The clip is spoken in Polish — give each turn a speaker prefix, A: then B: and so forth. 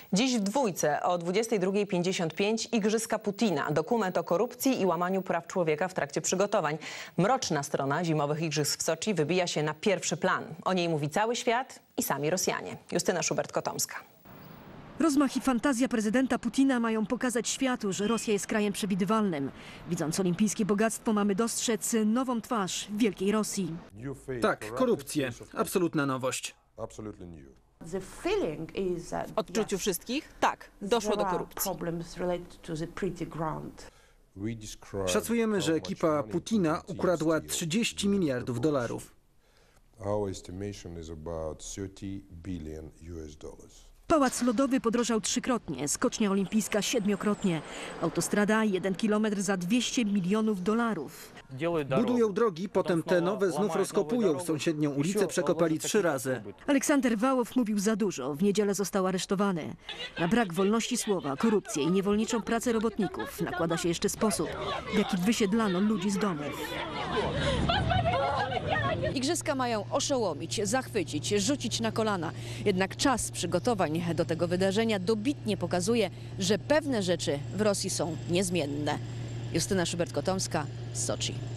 A: Dziś w Dwójce o 22:55 Igrzyska Putina. Dokument o korupcji i łamaniu praw człowieka w trakcie przygotowań. Mroczna strona zimowych igrzysk w Soczi wybija się na pierwszy plan. O niej mówi cały świat i sami Rosjanie. Justyna Szubert-Kotomska.
B: Rozmach i fantazja prezydenta Putina mają pokazać światu, że Rosja jest krajem przewidywalnym. Widząc olimpijskie bogactwo, mamy dostrzec nową twarz wielkiej Rosji.
C: Tak, korupcję. Absolutna nowość.
D: W odczuciu wszystkich? Tak, doszło do korupcji.
C: Szacujemy, że ekipa Putina ukradła 30 miliardów dolarów.
B: Pałac Lodowy podrożał trzykrotnie, skocznia olimpijska siedmiokrotnie. Autostrada 1 kilometr za 200 milionów dolarów.
C: Budują drogi, potem te nowe znów rozkopują. Sąsiednią ulicę przekopali 3 razy.
B: Aleksander Wałow mówił za dużo. W niedzielę został aresztowany. Na brak wolności słowa, korupcję i niewolniczą pracę robotników nakłada się jeszcze sposób, w jaki wysiedlano ludzi z domów.
E: Igrzyska mają oszołomić, zachwycić, rzucić na kolana. Jednak czas przygotowań do tego wydarzenia dobitnie pokazuje, że pewne rzeczy w Rosji są niezmienne. Justyna Szubert-Kotomska z Soczi.